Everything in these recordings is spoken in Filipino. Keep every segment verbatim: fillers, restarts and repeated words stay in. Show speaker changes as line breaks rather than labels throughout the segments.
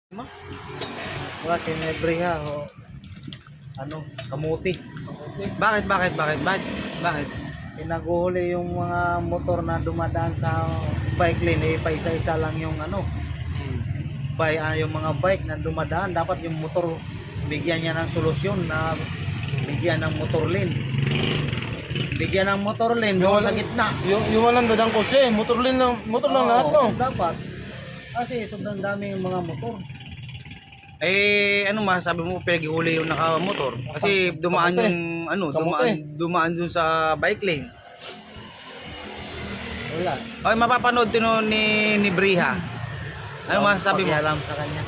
Wala sinebriha o ano, kamuti.
Bakit, bakit, bakit, bakit, bakit?
Pinaguhuli yung mga motor na dumadaan sa bike lane, eh, paisa-isa lang yung ano, bike, ah, yung mga bike na dumadaan. Dapat yung motor, bigyan niya ng solusyon na bigyan ng motor lane. Bigyan ng motor lane doon sa gitna.
Yung, yung walang dadang kotse, motor lang, lang, motor lang
Oo,
lahat, no?
dapat. Kasi sobrang dami yung mga motor.
Eh, ano masasabi mo pinag-ihuli yung nakamotor? Kasi dumaan
Kamote.
yung, ano,
Kamote.
dumaan, dumaan dun sa bike lane.
Wala.
Okay, mapapanood din nun ni, ni Briha. Ano masasabi mo?
Pakialam sa kanya.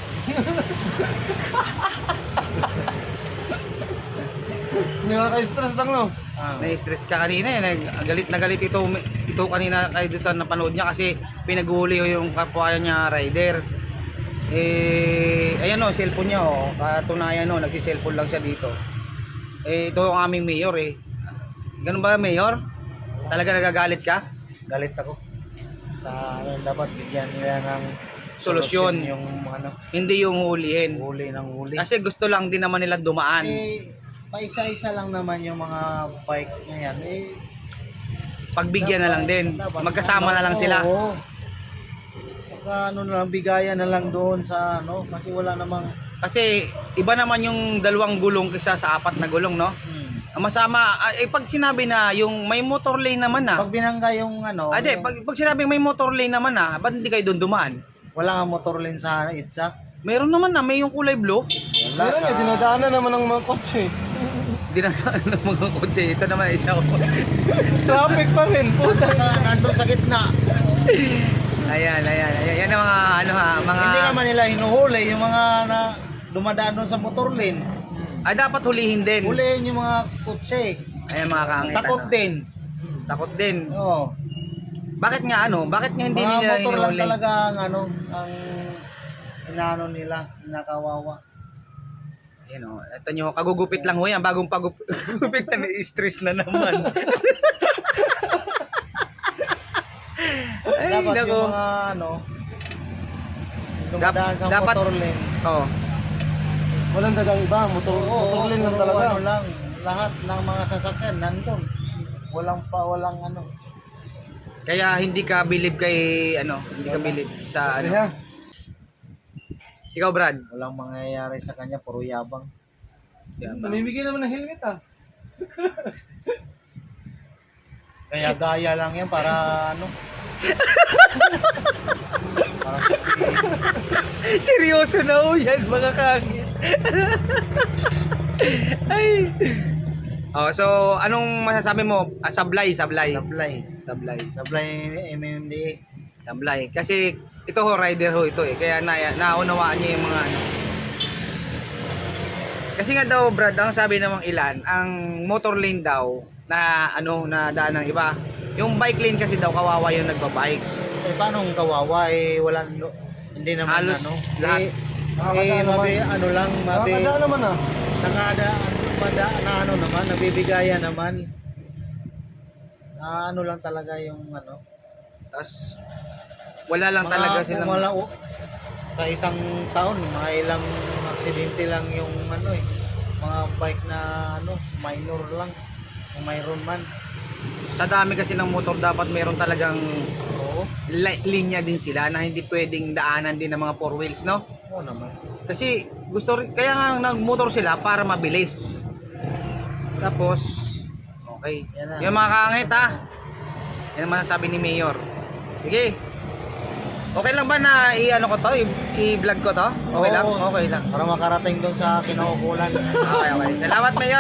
Hindi ka-stress lang, no?
Ah.
Na-stress ka kanina eh. Nag- Galit na galit ito, ito kanina kayo doon sa napanood niya kasi pinaghuli yung kapwa niya rider. Eh, ayan o, cellphone niya o. Katunayan o, nagsi-cellphone lang siya dito. Eh, ito ang aming mayor eh. Ganun ba, mayor? Talaga nagagalit ka?
Galit ako. Sa ano, dapat bigyan nila ng
Solusyon.
yung ano,
Hindi yung hulihin.
huli ng huli.
Kasi gusto lang din naman nila dumaan.
Eh, paisa-isa lang naman yung mga bike na yan. Eh,
Pagbigyan na lang din.
dapat-
Magkasama na lang sila.
Oo. Saka ano na lang, bigayan na lang doon sa ano, kasi wala namang
Kasi iba naman yung dalawang gulong kaysa sa apat na gulong, no?
hmm.
Ang masama, ah, eh pag sinabi na yung may motor lane naman na.
Pag binangga yung ano,
Ade,
yung-
pag, pag sinabing may motor lane naman na, ba't hindi kayo doon dumaan?
wala nga motor lane sa itsa.
Meron naman na, may yung kulay blue.
Wala
Meron
sa
eh, dinadaanan naman ng mga kotse.
Dinadaan ng mga kotse. Ito naman isa ko.
Traffic pa rin, puta.
sa nandun sa gitna.
Ayan, ayan, ayan. Yan ang mga, ano ha, mga...
Hindi naman nila hinuhuli yung mga na dumadaan doon sa motor lane.
Ah, dapat hulihin din.
Huliin yung mga kotse.
Ayan mga kaangit.
Takot
ano.
din.
Takot din.
Oo.
Bakit nga ano? Bakit nga hindi
Mga
nila
motor lang
hinuhuli?
talaga ang ano, ang inaano nila, nakawawa.
Ayan o. Ito nyo, kagugupit lang ho yan. Bagong pagupit na stress na naman. Ay,
Dapat
nako.
yung mga ano, dumadaan sa
dapat-
motor lane.
Oo.
Walang dadang iba, motor, motor lang lang
puro
talaga.
Ano lang, lahat ng mga sasakyan nandun. Walang pa, walang ano.
Kaya hindi ka believe kay ano, hindi ka believe sa ano.
Kaya,
Ikaw, Brad.
Walang mangyayari sa kanya, puro yabang.
Yan ba?
namimigay naman ng helmet, ah.
Kaya gaya lang yan para ano. para
Seryoso na ho yan, mga kagit. Ay. Oh, so anong masasabi mo? Ah, sablay, sablay.
sablay.
Sablay.
Sablay M M D A.
Sablay. Kasi ito ho, rider ho ito eh. Kaya na, naunawaan niya yung mga ano. Kasi nga daw, Brad, ang sabi namang ilan, ang motor lane daw na ano, na daan ng iba. Yung bike lane kasi daw, kawawa yung nagbabike.
Eh paano ang kawawa eh wala no, hindi naman
Halos
ano.
lahat.
Eh,
Nakakadaan
eh mabi,
naman.
ano lang, mabi,
Nakakadaan naman, ah.
nakada, mada, na ano naman, nabibigayan naman. Na ano lang talaga yung ano.
Tapos, wala lang
Mga-
talaga silang...
Wala, oh, sa isang taon, mga ilang aksidente lang yung ano eh. Mga bike na ano, minor lang. Kung mayroon man.
Sa dami kasi ng motor, dapat meron talagang
Oo.
li- linya din sila na hindi pwedeng daanan din ng mga four wheels, no?
Oo naman.
Kasi gusto rin, kaya nga nagmotor sila para mabilis. Tapos, okay.
Yan na.
Yung mga kaangit ha. Yan ang masasabi ni Mayor. Sige. Okay lang ba na i-ano ko to? I- I-vlog ko to? Okay
Oo.
lang? Okay lang.
Para makarating doon sa kinaukulan.
Okay, okay. Salamat, Mayor.